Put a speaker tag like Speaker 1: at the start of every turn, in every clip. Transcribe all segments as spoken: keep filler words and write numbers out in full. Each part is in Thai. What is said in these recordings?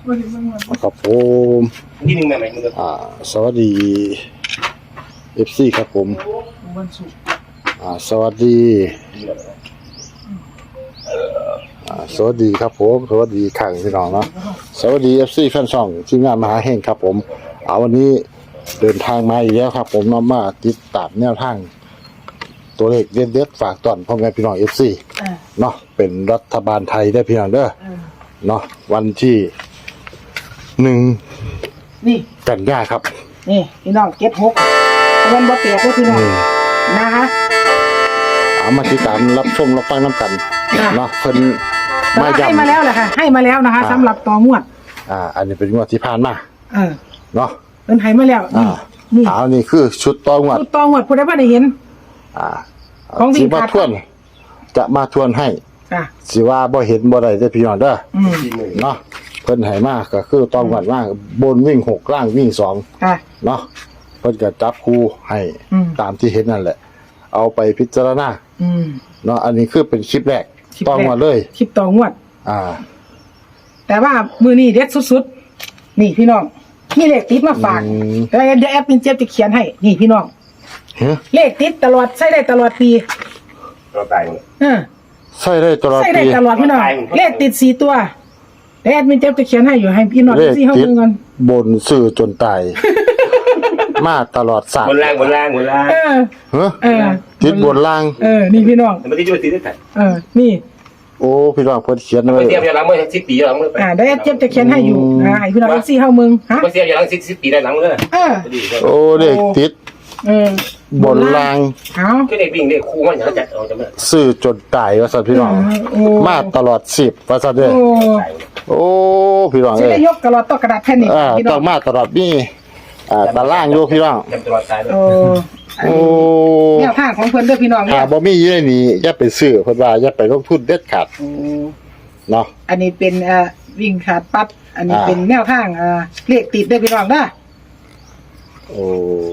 Speaker 1: ครับผม
Speaker 2: ที่หนึ่งใหม่ๆมึง
Speaker 1: อ่าสวัสดี เอฟ ซี ครับผมอ่าสวัสดีอ่าสวัสดีครับผมสวัสดีขังพี่น้องเนาะสวัสดี เอฟ ซี แฟนช่องทีมงานมหาเฮงครับผมเอาวันนี้เดินทางมาอีกแล้วครับผมนำมาติดตามแนวทางตัวเลขเด็ดๆฝากตอนพ่อแม่พี่น้อง เอฟ ซี เนาะเป็นรัฐบาลไทยได้พี่น้องเด้อเนาะวันที่หนึ่ง
Speaker 3: นี่
Speaker 1: กันยาครับ
Speaker 3: นี่พี่น้องเก็บหกเงินบ่เปียกเลยพี่น้องนะคะ
Speaker 1: เอามาติดตามรับชมรับฟังน้ำกันเนาะเพิ่น
Speaker 3: มาให้มาแล้วแหละค่ะให้มาแล้วนะคะสำหรับต่องวด
Speaker 1: อ่าอันนี้เป็นงวดที่ผ่านมา
Speaker 3: เออ
Speaker 1: เนาะ
Speaker 3: เพิ่นให้มาแล้ว
Speaker 1: อ่านี่เอานี่คือชุดต่องวด
Speaker 3: ชุดต่องวดผู้ใดบ่ได้เห็น
Speaker 1: อ่าของสิมาทวนจะมาทวนให้
Speaker 3: ค่ะ
Speaker 1: สิว่าบ่เห็นบ่ได้เด้อพี่น้องเด้ออืมเนาะเพิ่นให้มาก็คือต่องวดมาบนวิ่งหกล่างวิ่งสอง
Speaker 3: ค่ะ
Speaker 1: เนาะเพิ่นก็จับคู่ให้ตามที่เห็นนั่นแหละเอาไปพิจารณา
Speaker 3: อืม
Speaker 1: เนาะอันนี้คือเป็นคลิปแรกต้องมาเลย
Speaker 3: คลิปต่องวด
Speaker 1: อ่า
Speaker 3: แต่ว่ามือนี้เด็ดสุดๆนี่พี่น้องมีเลขติดมาฝากแล้วเดี๋ยวแอปเป็นเจี๊ยบจะเขียนให้นี่พี่น้องเลขติดตลอดใช้ได้ตลอดปี
Speaker 2: เราตาย
Speaker 3: เออ
Speaker 1: ใช้ได้ตลอดปี
Speaker 3: ใช้ได้ตลอดพี่น้องเลขติดสี่ตัวแล้วแอปเป็นเจี๊ยบจะเขียนให้อยู่ให้พี่น้องที่เฮาเบิ่งกัน
Speaker 1: บนสื่อจนตายมาตลอดสาม
Speaker 2: บนล่างบนล่างบนล่าง
Speaker 3: เออ
Speaker 1: เออติดบนล่าง
Speaker 3: เออนี่พี่น้อง
Speaker 2: มันติดอยู่ติดได้
Speaker 3: เออนี่
Speaker 1: โอ้พี่น้องเพิ่นเขียนไว้
Speaker 2: เสียบอย่างหลังเมื่อสิบปีหลังเมื่อ
Speaker 3: อ่าได้เจ็บจะเขียนให้อยู่อ่าให้พี่น้องซี่เฮามึง
Speaker 2: ฮะเสียบอย่างหลังสิบปีได้หลังเลย
Speaker 3: เออ
Speaker 1: โอ้เลขติด
Speaker 3: เอ
Speaker 1: อบนล่าง
Speaker 3: เอ้า
Speaker 2: คือเด็กวิ่งเด็กคู่มันอย่างจัดเอาจังได๋
Speaker 1: ซื้อจนตายว่าซั่นพี่น้องมาตลอดสิบว่าซั่นเด้อโอ้พี่น้องเอ้ย
Speaker 3: สิได้ยกตลอดตกกระดาษแผ่นนี้
Speaker 1: พี่น้องต้องมาตลอดมีอ่าตารางอยู่พี่น้อง
Speaker 2: ตลอดตายเลย
Speaker 3: โอ้
Speaker 1: โอ้
Speaker 3: แนวทางของเพิ่นเด้อพี่น้อง
Speaker 1: อ่าบ่มีอยู่ในนี้อย่าไปซื้อเพิ่นว่าอย่าไปลงทุนเด็ดขาดเนาะ
Speaker 3: อันนี้เป็นเอ่อวิ่งขาดปั๊บอันนี้เป็นแนวทางเอ่อเลขติดเด้อพี่น้องเด้อ
Speaker 1: โอ้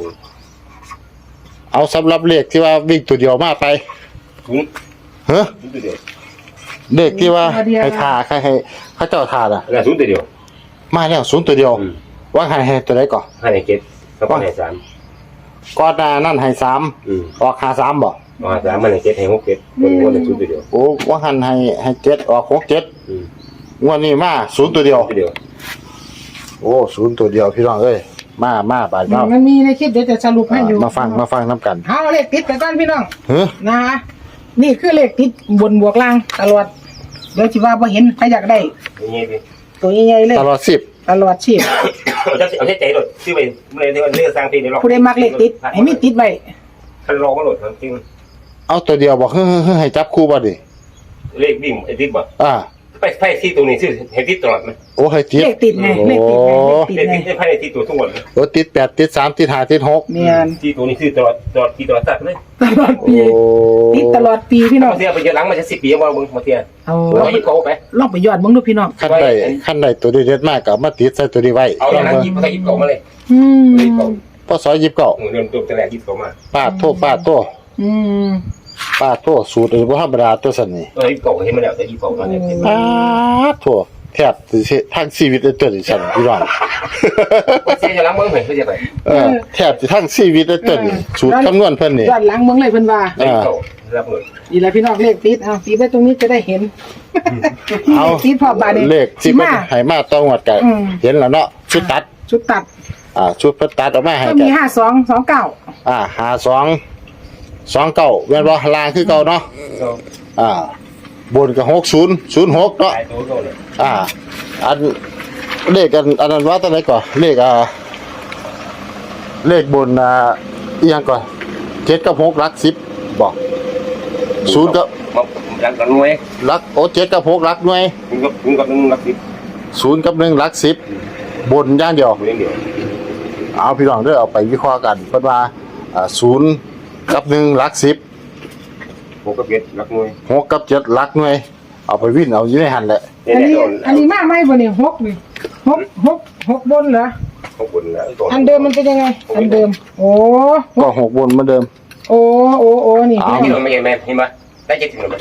Speaker 1: เอาสำหรับเลขที่ว่าวิ่งตัวเดียวมาไปฮะเลขที่ว่าให้ทาให้ให้เขาเจ้าทาอ่ะ
Speaker 2: แล้วศูนย์ตัวเดียว
Speaker 1: มาแล้วศูนย์ตัวเดียวว่าให้ให้ตัวไหนก่อน
Speaker 2: ให้เจ็ดก็ให้สาม
Speaker 1: ก่อนหน้านั้นให้สามออกหาสามบ่
Speaker 2: ออกสามมันให้เจ็ดให้หกเจ็ดคนคนศูนย์ตัวเดียว
Speaker 1: โอ้ว่าหันให้ให้เจ็ดออกหกเจ็ดงวดนี้มาศูนย์ตัวเดียวโอ้ศูนย์ตัวเดียวพี่น้องเอ้ยมามาบาดเนาะ
Speaker 3: มันมีในคลิปเดี๋ยวจะสรุปให้อยู่
Speaker 1: มาฟังมาฟังน้ำกัน
Speaker 3: เอาเลขติดไปก่อนพี่น้องนะคะนี่คือเลขติดบนบวกล่างตลอดเดี๋ยวสิว่าบ่เห็นใครอยากได้ตัวใหญ่ๆเลย
Speaker 1: ตลอดสิบ
Speaker 3: ตลอดชีพ
Speaker 2: เอาใจเอาใจหลดชื่อไปเมื่อเรื่องเรื่องสร้างเพลงในรอบ
Speaker 3: ผู้ใดมักเลขติดให้มีติดไว้
Speaker 2: ท่านรองก็หลดจริง
Speaker 1: เอาตัวเดียวบอกเฮ้ยให้จับคู่บ่ดิ
Speaker 2: เลขวิ่งไอ้ติดบ่
Speaker 1: อ่า
Speaker 2: ไปไพ่ที่ตัวนี้ชื่อให้ติดตลอดไหม
Speaker 1: โอ้ให้ติด
Speaker 3: เลขติดไงเลขติดไงเลข
Speaker 2: ติดไงไพ่ติดตัวทุกวัน
Speaker 1: โอ้ติดแปดติดสามติดห้าติดหก
Speaker 3: เนี่ย
Speaker 2: ที่ตัวนี้ชื่อตลอดตลอดที่ตลอดสัตว์เลย
Speaker 3: ตลอดปีติดตลอดปีพี่น้อง
Speaker 2: เสียไปเยอะหลังมาจะสิบปีว่ามึงมาเสีย
Speaker 3: เอา
Speaker 2: เราหยิบเขาไป
Speaker 3: ลองไปยอดมึงดูพี่น้อง
Speaker 1: ขั้นใดขั้นใดตัวเด็ดมากกับมาติดใส่ตัวนี้ไว้
Speaker 2: เอาหลังหยิบเขาหยิบเขามาเลย
Speaker 3: อืม
Speaker 1: พอสอยหยิบเก่า
Speaker 2: เริ่มตัวแต่แรกหยิบเขามา
Speaker 1: ปาดโทษปาดโทษ
Speaker 3: อืม
Speaker 1: ปาดโทษสูตรหรือว่าธรรมดาตัวสันนี่
Speaker 2: เออหยิบเขาเห็นมาแล้วแต่หยิบเขาตอนนี้
Speaker 1: ปาดโทษแทบสิทั้งชีวิตตัวนี้สันพี่น้อง
Speaker 2: เสียจะล้างมือเหมือนเพื่อจะไป
Speaker 1: เออแทบจะทั้งชีวิตตัวนี้สูตรคำนวณเพิ่นนี่
Speaker 3: ยอดล้างมึงเลยเพิ่นว่า
Speaker 2: รับเลย
Speaker 3: นี่แหละพี่น้องเลขติดเอาติดไว้ตรงนี้จะได้เห็น
Speaker 1: เอา
Speaker 3: ติดพอบาด
Speaker 1: เลขที่มันให้มาต้องวัดกันเห็นแล้วเนาะชุดตัด
Speaker 3: ชุดตัด
Speaker 1: อ่าชุดตัดออกมาให้
Speaker 3: ก็มีห้าสองสองเก้า
Speaker 1: อ่าห้าสองสองเก้าแม่นบ่ล่างคือเก่าเนาะอ่าบนกับหกศูนย์ศูนย์หกเนาะอ่าอันเลขกันอันนั้นว่าตัวไหนก่อนเลขอ่าเลขบนอ่าอีหยังก่อนเจ็ดกับหกหลักสิบบอกศูนย์กับ
Speaker 2: หลักหน่วย
Speaker 1: หลักโอ้เจ็ดกับหกหลักหน่วย
Speaker 2: ศูนย์กับศูนย์กับหนึ่งหลักสิบ
Speaker 1: ศูนย์กับหนึ่งหลักสิบบนย่างเดียวเอาพี่น้องเด้อเอาไปวิเคราะห์กันเพิ่นว่าอ่าศูนย์กับหนึ่งหลักสิบ
Speaker 2: หกกับเจ็ดหลักหน่วย
Speaker 1: หกกับเจ็ดหลักหน่วยเอาไปวิ่งเอาอยู่ในหันแหละ
Speaker 3: อันนี้อันนี้มากไหมบ่เนี่ยหกนี่หกหกหกบนเหรอ
Speaker 2: หกบนแล้ว
Speaker 3: อันเดิมมันเป็นยังไงอันเดิมโอ้
Speaker 1: ก็หกบนเหมือนเดิม
Speaker 3: โอ้โอ้โอ้นี่
Speaker 2: พี่น้องไม่เห็นไหมเห็นไหมได้เจ็ดถึงหรือไม่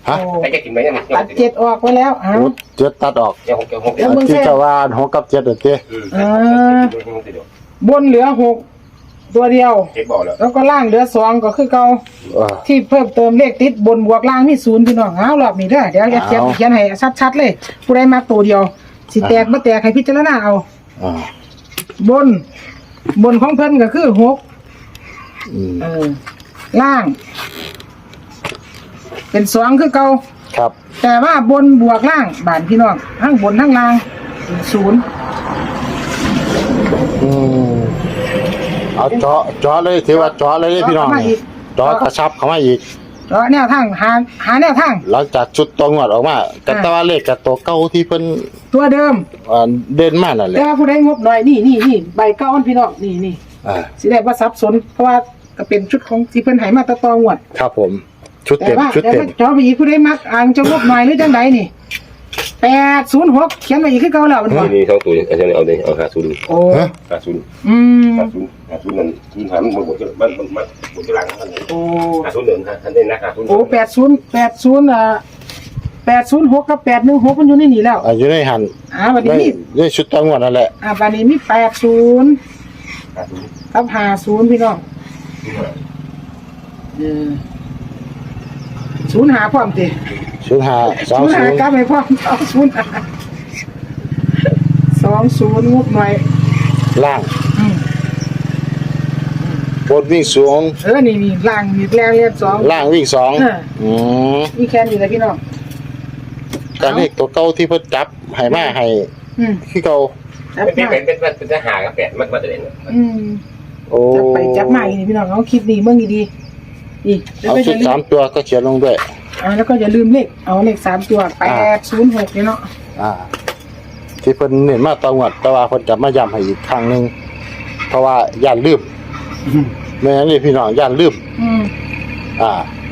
Speaker 1: ฮะ
Speaker 3: โอ้
Speaker 2: ไอ้จะกินไหมเนี่ย
Speaker 3: ตัดเจ็ดออกไปแล้วอ้า
Speaker 1: โอ้
Speaker 3: ว
Speaker 1: เจ็ดตัดออก
Speaker 2: เดี๋ยวหกเดี๋ยวหก
Speaker 3: แล้
Speaker 2: เดี๋ยว ว
Speaker 3: มึง
Speaker 1: ที่จะว่าหกกับเจ็ดเด้อเต้
Speaker 2: อืม
Speaker 3: บนเหลือหกตัวเดียว
Speaker 2: เจ็บบอกแล้ว
Speaker 3: แล้วก็ล่างเหลือสองก็คือเก่า
Speaker 1: เออ
Speaker 3: ที่เพิ่มเติมเลขติดบนบวกล่างมีศูนย์พี่น้องเอารอบนี้เด้อเดี๋ยวแอดเขียน
Speaker 1: เอา
Speaker 3: เขียนให้ชัดๆเลยผู้ใดมาตัวเดียวสิแตกบ่แตกให้พิจารณาเอา
Speaker 1: อ่า
Speaker 3: บน บนของเพิ่นก็คือหก
Speaker 1: อืม
Speaker 3: เออล่าง เป็นสองคือเก่า
Speaker 1: ครับ
Speaker 3: แต่ว่าบนบวกล่างบานพี่น้องทั้งบนทั้งล่างเป็นศูนย์
Speaker 1: อืมเอาเจาะเจาะเลยถือว่าเจาะเลยเด้อพี่น้องนี่เจาะกระชับเข้ามาอีก
Speaker 3: แล้วแนวทางหาหาแนวทาง
Speaker 1: หลังจากชุดตัวงวดออกมาแต่
Speaker 3: อ่า
Speaker 1: แตว่าเลขกับตัวเก่าที่เพิ่น
Speaker 3: ตัวเดิม
Speaker 1: อ่าเด่นมากนั่นแห
Speaker 3: แต่
Speaker 1: ละ
Speaker 3: ว่าผู้ใดงบหน่อยนี่นี่นี่ใบเก้าอันพี่น้องนี่นี่
Speaker 1: อ่า
Speaker 3: สิได้ว่าสับสนเพราะว่าก็เป็นชุดของที่เพิ่นให้มาแตะตองวด
Speaker 1: ครับผม ชุด
Speaker 3: แต่
Speaker 1: เต็ม
Speaker 3: ว่า
Speaker 1: ชุด
Speaker 3: แต่
Speaker 1: เต็ม
Speaker 3: ว่าจอไปอีกผู้ใดมักอ่างจะงบหน่อยหรือจังใดนี่แปดศูนย์หกเขียนไว้อีกคือเก่าแล้วมันบ่
Speaker 2: นี่สองตัวอาจารย์เอาเลยเอาหาศูนย์
Speaker 3: โอ้
Speaker 1: ฮะ
Speaker 2: หาศูนย์
Speaker 3: อืม
Speaker 2: หาศูนย์หาศูนย์นั่นศูนย์หามันหมดมันมันมันหมดกำลังมัน
Speaker 3: โอ้
Speaker 2: หาศูนย์เดินท่านได้นะหาศูนย์
Speaker 3: โอ้แปดศูนย์แปดศูนย์อ่าแปดศูนย์หกกับแปดหนึ่งหกมันอยู่ในนี่แล้ว
Speaker 1: อ่าอยู่ในหัน
Speaker 3: อ่าวันนี้
Speaker 1: ใน
Speaker 3: มี
Speaker 1: ในชุดตัวงวดนั่นแหละ
Speaker 3: อ่าวันนี้มีแปดศูนย์
Speaker 2: หาศูนย์
Speaker 3: กับห้าศูนย์พี่น้องเออศูนย์หาพร้อมติ
Speaker 1: ชุดหาสอง
Speaker 3: ศูนย์
Speaker 1: ศู
Speaker 3: หาน
Speaker 1: ย์
Speaker 3: กลับไปพร้อมสองศูนย์หาสองศูนย์งบหน่อย
Speaker 1: ล่าง
Speaker 3: อืม
Speaker 1: บนวิ่งสูง
Speaker 3: เออนี่นี่ล่างมีแรงเรียนสอง
Speaker 1: ล่างวิ่งสอง
Speaker 3: เออ
Speaker 1: อืม
Speaker 3: มีแค่นี้แหละพี่น้อง
Speaker 1: แต่เลขตัวเก่าที่เพิ่นจับให้มาให้
Speaker 3: อืม
Speaker 1: คือเก่า
Speaker 3: จับ
Speaker 2: เป็น
Speaker 3: มา
Speaker 2: เป็นเป็นเป็นจะหากับแปดมันมันจะเด่น
Speaker 3: อืม
Speaker 1: โอ้
Speaker 3: จับไปจับมาอีกนี่พี่น้องเอาคลิปนี้เมื่อกี้ดีอีกแล้ว
Speaker 1: เอา
Speaker 3: ก็
Speaker 1: ชุ
Speaker 3: จะ
Speaker 1: ด
Speaker 3: ลื
Speaker 1: สาม มตัวก็เขียนลงด้วย
Speaker 3: อ่าแล้วก็อย่าลืมเลขเอาเลขสามตัวแปดศูนย์หกเนี่ยเนาะ
Speaker 1: อ่า ที่เพิ่นเน้นมาตองวดแต่ว่าเพิ่นจะมาย้ำให้อีกครั้งหนึงเพราะว่าย่านลืมไม่งั้นนี่พี่น้องย่านลืม
Speaker 3: อืม
Speaker 1: อ่า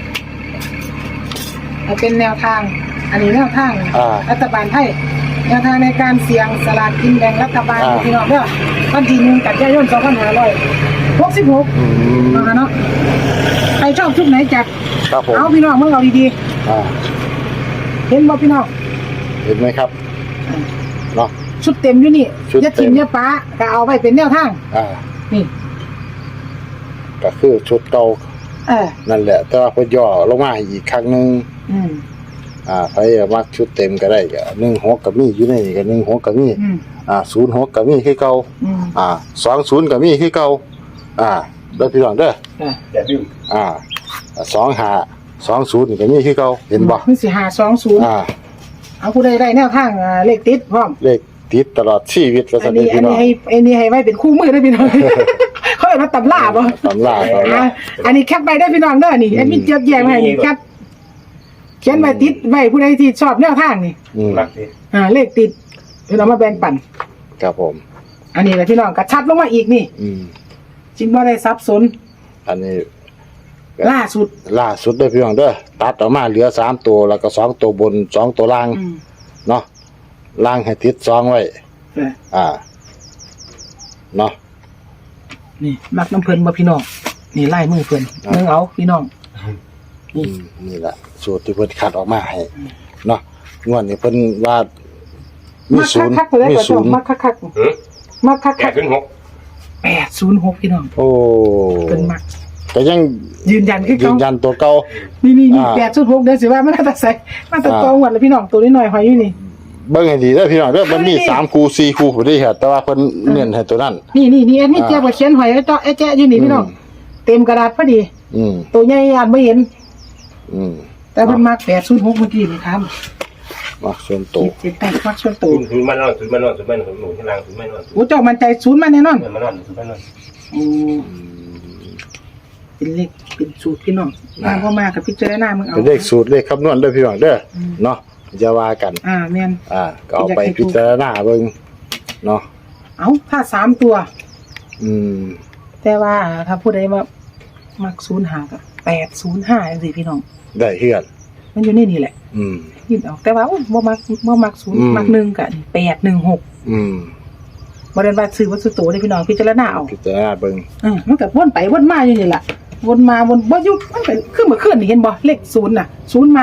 Speaker 3: เอาเป็นแนวทาง อันนี้แนวทาง
Speaker 1: อ่า
Speaker 3: รัฐบาลไทยแนวทางในการเสี่ยงสลากกินแบ่งรัฐบาล
Speaker 1: อ่า
Speaker 3: พี่น้องเด้อวันที่หนึ่งกันยายนสองพันห้าร้อยหกสิบหก
Speaker 1: อืม
Speaker 3: เอาเนาะใครชอบชุดไหนจัด
Speaker 1: ครับผม
Speaker 3: เอาพี่น้องมึงเอาดี
Speaker 1: อ่า
Speaker 3: ๆเห็นบ่พี่น้อง
Speaker 1: เห็นไหมครับเนาะ
Speaker 3: ชุดเต็มอยู่นี่
Speaker 1: ชุดเต็ม
Speaker 3: อย่าทิมอย่าป้าก็เอาไว้เป็นแนวทาง
Speaker 1: อ่า
Speaker 3: นี่
Speaker 1: ก็คือชุดเก่า
Speaker 3: เออ
Speaker 1: นั่นแหละ แต่ว่าเพิ่นย่อลงมาอีกครั้งหนึง
Speaker 3: อืม
Speaker 1: อ่าใครมักชุดเต็มก็ได้ก็หนึ่งหกก็มีอยู่ในนี่ก็หนึ่งหกก็มี
Speaker 3: อืม
Speaker 1: อ่าศูนย์หกก็มีคือเก่า
Speaker 3: อืม
Speaker 1: อ่าสองศูนย์ก็มีคือเก่าอ่าเด้อพี่น้องเด้อ
Speaker 3: อ่ะ
Speaker 2: อย่าลืม
Speaker 1: อ่าสองห้าสองศูนย์นี่ก็มีคือเก่าเห็นบ่
Speaker 3: มันสิหาสองศูนย์
Speaker 1: อ่า
Speaker 3: เอาผู้ใดได้แนวทางอ่าเลขติดพร้อม
Speaker 1: เลขติดตลอดชีวิตว่า
Speaker 3: อั
Speaker 1: ซั่
Speaker 3: น
Speaker 1: น
Speaker 3: นี้
Speaker 1: เด้อ
Speaker 3: อั
Speaker 1: พี่
Speaker 3: น
Speaker 1: น้อ
Speaker 3: นี้
Speaker 1: ง
Speaker 3: ให้อันนี้ให้ไว้เป็นคู่มือได้อพี่น้อง เขาเรียกว่าตำราบ่
Speaker 1: ตำราตำรา
Speaker 3: อ่ะอันนี้แคปไปได้อพี่น้องเด้อนี่แอดมินเจี๊ยบแยงให้นี่แคปเขียนไว้ติดไว้ผู้ใดที่ชอบแนวทางนี่
Speaker 1: อืม
Speaker 2: รักสิ
Speaker 3: อ่าเลขติดเดี๋ยวเรามาแบ่งปัน
Speaker 1: ครับผม
Speaker 3: อันนี้แหละพี่น้องกระชับลงมาอีกนี่
Speaker 1: อืม
Speaker 3: จริงว่าได้ซับสน
Speaker 1: อันนี้
Speaker 3: ล่าสุด
Speaker 1: ล่าสุดเด้อพี่น้องเด้อตัดออกมาเหลือสามตัวแล้วก็สองตัวบนสองตัวล่าง
Speaker 3: อืม
Speaker 1: เนาะล่างให้ติดสองไว้
Speaker 3: เออ
Speaker 1: อ่าเนาะ
Speaker 3: นี่มักน้ำเพลินบ่พี่น้องนี่ไล่มือเพลิน
Speaker 1: อ่า
Speaker 3: มึงเอาพี่น้อง
Speaker 1: อืมนี่แหละสูตรที่เพิ่นคัดออกมาให้เนาะงวดนี้เพิ่นว่ามี
Speaker 3: มัก
Speaker 1: ศูนย์
Speaker 3: คักๆไปเลย
Speaker 1: มี
Speaker 3: ก่อน
Speaker 1: ศู
Speaker 3: จ้ะ
Speaker 1: นย์
Speaker 3: มักคัก
Speaker 2: หืม
Speaker 3: ๆมักคั
Speaker 2: แป
Speaker 3: ก
Speaker 2: ดศูนย์หก
Speaker 3: ๆแปดศูนย์หกพี่น้อง
Speaker 1: โอ้
Speaker 3: เป็นมัก
Speaker 1: ก็ยัง
Speaker 3: ยืนยันคือ
Speaker 1: ยื
Speaker 3: เขา
Speaker 1: นยันตัวเก่า
Speaker 3: นี่นี่นี่
Speaker 1: อ่า
Speaker 3: แปดศูนย์หกเดี๋ยวสิว่ามันน่าจะใส่มันจะ
Speaker 1: อ่า
Speaker 3: ตองวัดแล้วพี่น้องตัวนี้หน่อยหอยอยู่นี่
Speaker 1: เบิ่งให้ดีเด้อพี่น้องเด้อมันมี
Speaker 3: เออนี่
Speaker 1: สามคู่สี่คู่พุ่นเด้อแต่ว่าเพิ่นเน้นให้ตัวนั้น
Speaker 3: นี่นี่นี่แอดมิน
Speaker 1: อ่า
Speaker 3: เจี๊ยบก็เขียนหอยไอ้เจ้าไอ้แจ๊ะอยู่นี่พี่น้อง
Speaker 1: อืม
Speaker 3: เต็มกระดาษพอดี
Speaker 1: อืม
Speaker 3: ตัวใหญ่อ่านไม่เห็น
Speaker 1: อืม
Speaker 3: แต่เพิ่นมักแปดศูนย์หกเมื่อกี้นี่ครับ
Speaker 1: มักส่วน
Speaker 3: ขี
Speaker 1: ตัว
Speaker 3: ดเส้นใต้มักส่วน
Speaker 2: ศู
Speaker 3: ตัวน
Speaker 2: ย์ศูนย์มันนอนศูนย์มันนอนศูนย์มันนอนหนุนที่ล่างศูนย์มันนอนศูนย์
Speaker 3: โอ้เจ้ามันใจศูนย์มาแน่นอน
Speaker 2: มันนอนศูนย์มันนอน
Speaker 3: อืมเป็นเลขเป็นสูตรพี่น้องมาพ่อมากับพิจารณามึงเอา
Speaker 1: เป็นเลขสูตรเลขคำนวณเด้อพี่น้องเด้ออเนาะอย่าว่ากัน
Speaker 3: อ่าแม่น
Speaker 1: อ่าก็เอาไปพิจารณาเบิ่งเนาะ
Speaker 3: เอาถ้าสามตัว
Speaker 1: อืม
Speaker 3: แต่ว่าถ้าผู้ใดว่ามักศูนย์หากับแปดศูนย์ห้าจังซี่พี่น้อง
Speaker 1: ได้เฮือน
Speaker 3: มันอยู่ในนี่แหละ
Speaker 1: อืม
Speaker 3: ยินออกแต่ว่าโอ้บ่มักบ่มักศูนย์
Speaker 1: อืม
Speaker 3: มักหนึ่งกับแปดหนึ่งหก
Speaker 1: อืม
Speaker 3: บ่ได้ว่าซื้อวัตถุโตได้พี่น้องพิจารณาเอา
Speaker 1: พิจารณาเบิ่ง
Speaker 3: อืมมันก็วนไปวนมาอยู่นี่แหละวนมาวนบ่หยุดมันเป็นคือเมื่อคืนนี่เห็นบ่เลขศูนย์น่ะศูนย์มา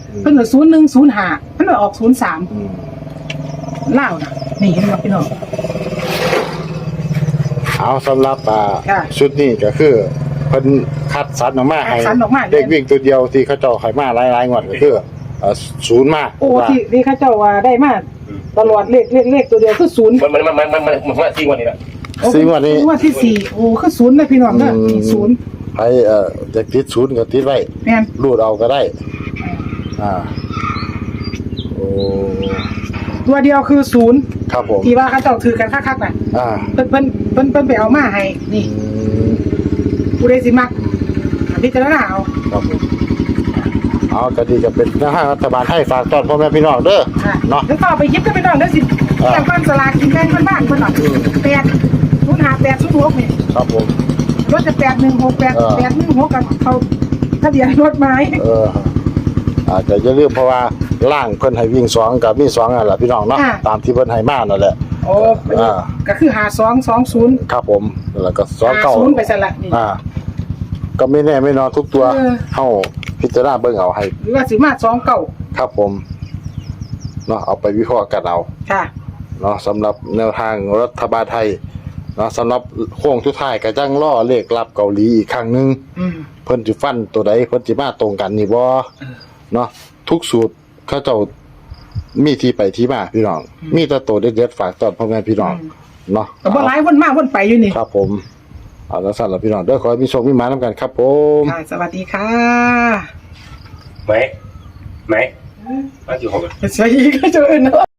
Speaker 3: เพิ่นก็ศูนย์หนึ่งศูนย์ห้าเพิ่นก็ออกศูนย์สาม
Speaker 1: อืม
Speaker 3: เล่าวนะนี่เห็นบ่พี่น้อง
Speaker 1: เอาสำหรับอ่า
Speaker 3: ค่ะ
Speaker 1: ชุดนี้ก็คือเพิ่นคัดสรรออกมาให้
Speaker 3: คัดสรรออกมา
Speaker 1: เด็กวิ่งตัวเดียวที่เขาเจ้าให้มาหลายๆงวดก็คือเอ่อศูนย์มา
Speaker 3: โอ้
Speaker 1: ว่า
Speaker 3: ที่ที่เขาเจ้าว่าได้มาตลอดเลขเลขเลขตัวเดียวคือศูนย์
Speaker 2: มันมันมันมันมันมันมาที่วันนี้แหละ
Speaker 1: ซึ่งวันนี้
Speaker 3: งวดที่สี่โอ้คือศูนย์นะพี่น้องเด้อ
Speaker 1: อืม
Speaker 3: นี่ศูนย์
Speaker 1: ให้เอ่อจะติดศูนย์ก็ติดไว้
Speaker 3: แม่น
Speaker 1: รูดเอาก็ได้ อ่า โอ้
Speaker 3: ตัวเดียวคือศูนย์
Speaker 1: ครับผม
Speaker 3: ที่ว่าเขาเจ้าถือกันคักๆน่ะ
Speaker 1: อ่า
Speaker 3: เพิ่นเพิ่นเพิ่นเพิ่นไปเอามาให้นี่
Speaker 1: อืม
Speaker 3: ผู้ใดสิมักพิจารณาเอา
Speaker 1: ครับผมเอาก็ดีจะเป็นแนวทางรัฐบาลให้ฝากตอนพ่อแม่พี่น้องเด้อ
Speaker 3: ค่ะ
Speaker 1: เนาะ
Speaker 3: แล้วก็เอาไปหยิบกันไปน้องเด้อสิ
Speaker 1: อ่า
Speaker 3: เรื่องบ้านสลากกินแบ่งบ้านๆเพิ่นน่ะ
Speaker 1: อืม
Speaker 3: แปดศูนย์ห้าแปดศูนย์หกนี่
Speaker 1: ครับผม
Speaker 3: รถจะแปดหนึ่งหกแปด
Speaker 1: เออ
Speaker 3: แปดหนึ่งหกกับเขาทะเบียนรถไม้
Speaker 1: เอออาจจะอย่าลืมเพราะว่าล่างเพิ่นให้วิ่งสองกับมีสองนั่นแหละพี่น้องเนาะตามที่เพิ่นให้มานั่นแหละ
Speaker 3: โอ้
Speaker 1: อ่า
Speaker 3: ก็คือหาสองสองศูนย์
Speaker 1: ครับผมแล้วก็สอง
Speaker 3: หา
Speaker 1: เก้า
Speaker 3: ศูนย์ไปสละนี่
Speaker 1: อ่า ก็ไม่แน่ไม่นอนทุกตัว
Speaker 3: เออ
Speaker 1: เฮาพิจารณาเบิ่งเอาให้
Speaker 3: หรือว่าสิมาสองเก่า
Speaker 1: ครับผมเนาะเอาไปวิเคราะห์กันเอา
Speaker 3: ค่ะ
Speaker 1: เนาะสำหรับแนวทางรัฐบาลไทยเนาะสำหรับโค้งสุดท้ายก็จังล่อเลขรับเกาหลีอีกครั้งหนึง
Speaker 3: อืม
Speaker 1: เพิ่นสิฟันตัวใดเพิ่นสิมาตรงกันนี่บ่เนาะทุกสูตรเขาเจ้ามีที่ไปที่มาพี่น้อง มีแต่ตัวเด็ดๆฝากตอนพ่อแม่พี่น้องเนาะ
Speaker 3: ก็บ่หลายวนมาวนไปอยู่นี่
Speaker 1: ครับผมเอาละสั่นละพี่น้องเด้อขอให้มีโชคมีหมานํกันครับผม
Speaker 3: ค่ะสวัสดีค่ะ
Speaker 2: ไหมไหมมาอยู่ห้อง
Speaker 3: สวัสดีก็เจอเนาะ